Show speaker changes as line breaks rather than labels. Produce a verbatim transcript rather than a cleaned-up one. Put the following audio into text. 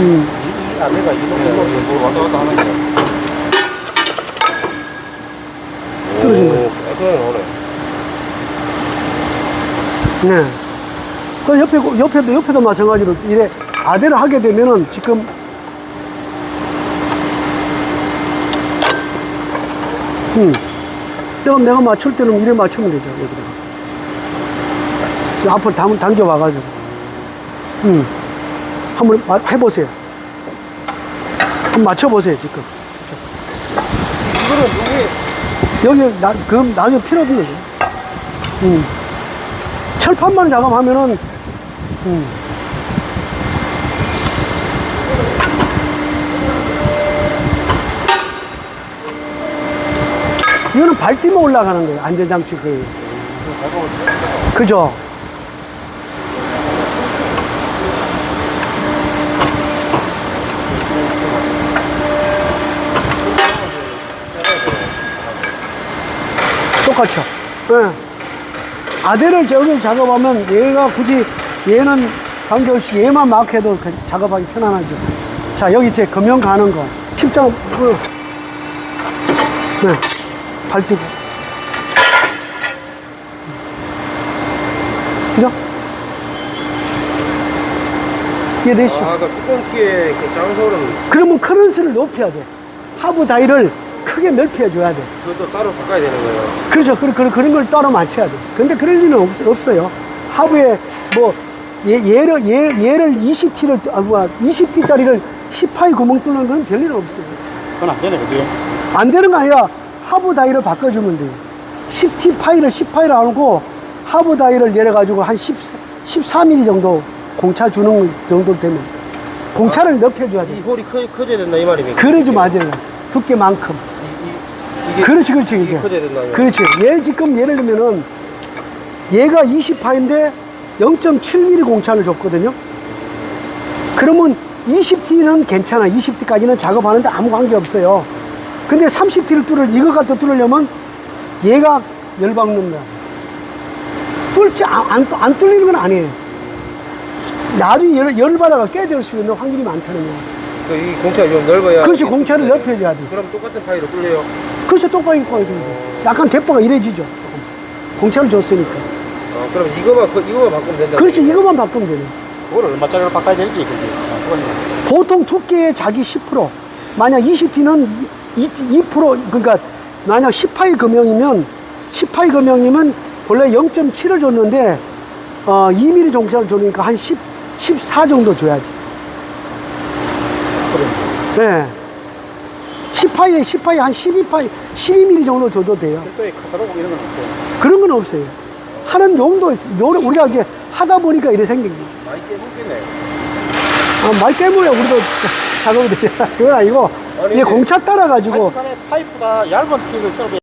음.
이 안내가 이거 이거 왔다 갔다 하는 거야.
떨어진 거예요.
깔끔하게 나오네.
네. 그 옆에, 옆에도, 옆에도 마찬가지로 이래 아대를 하게 되면은 지금 음. 내가, 내가 맞출 때는 이래 맞추면 되죠, 여기다가. 앞으로 당, 당겨와가지고. 음. 한번 마, 해보세요. 한번 맞춰보세요, 지금.
이거는 여기
여기, 나, 그럼 나중에 필요 없는 거죠. 음. 철판만 작업하면은, 음. 이거는 발 뛰면 올라가는 거예요. 안전장치 그. 그죠? 똑같죠? 예. 아대를 저기 작업하면 얘가 굳이 얘는 관계없이 얘만 막 해도 작업하기 편안하죠. 자, 여기 이제 금형 가는 거. 십장, 그, 네. 발 뛰고. 그죠? 이해되시죠?
아, 그 뚜껑 키에 그 장소는
그러면 크런스를 높여야 돼. 하부 다이를 크게 넓혀줘야 돼.
그것도 따로 바꿔야 되는 거예요.
그렇죠. 그런, 그런, 그런 걸 따로 맞춰야 돼. 근데 그럴 리는 없, 없어요. 하부에 뭐, 얘, 얘를, 얘, 얘를 이십 티를, 아, 뭐야, 이십 티짜리를 십 파이 구멍 뚫는 건 별일 없어요.
그건 안 되네, 그지?
안 되는 거 아니라 하부 다이를 바꿔주면 돼요. 십 티 파이를 십 파이를 안 하고 하부 다이를 내려가지고 한 십, 십사 밀리미터 정도 공차 주는 정도 되면 공차를 아, 넓혀줘야 돼.
이 홀이 커, 커져야 된다, 이 말입니까?
그러지, 맞아요. 두께만큼.
이, 이, 이게
그렇지, 그렇지.
이게
이게.
커져야 된다.
그렇지. 얘 지금 예를 들면은 얘가 이십 파인데 영 점 칠 밀리미터 공차를 줬거든요. 그러면 이십 티는 괜찮아. 이십 티까지는 작업하는데 아무 관계 없어요. 근데 삼십 티를 뚫을, 이거 갖다 뚫으려면 얘가 열받는 거야. 뚫지, 안, 안, 안 뚫리는 건 아니에요. 나중에 열, 열받아가 깨질 수 있는 확률이 많다는 거야.
그 이 공차가 좀 넓어야.
그렇지, 공차를 넓혀줘야 돼.
그럼 똑같은 파이로 뚫려요.
그렇죠, 똑바로 입고 와야 됩니다. 약간 대포가 이래지죠. 공차를 줬으니까.
어, 그럼 이거만, 그, 이거만 바꾸면 된다.
그렇지, 이것만 바꾸면 되네.
그걸 얼마짜리로 바꿔야 되는지, 그지? 아,
보통 두께의 자기 십 퍼센트. 만약 이십 티는 이 퍼센트, 그러니까 만약 십 파이 금형이면, 십 파이 금형이면 원래 영 점 칠을 줬는데, 어, 이 밀리미터 종차를 줬으니까 한 십, 십사 정도 줘야지.
그래.
네. 십 파이에 십 파이 한 십이 파이, 십이 밀리미터 정도 줘도 돼요.
별도의 카타로그 이런 건 없어요.
그런 건 없어요. 하는 용도, 노래, 우리가 이제 하다 보니까 이래 생긴 거예요.
많이 깨먹겠네.
아, 말 깨물야 우리도 작업이 되잖아. 그건 아니고,
아니,
이게 공차 따라가지고,
파이프, 파이프가 얇은 티를 떨어져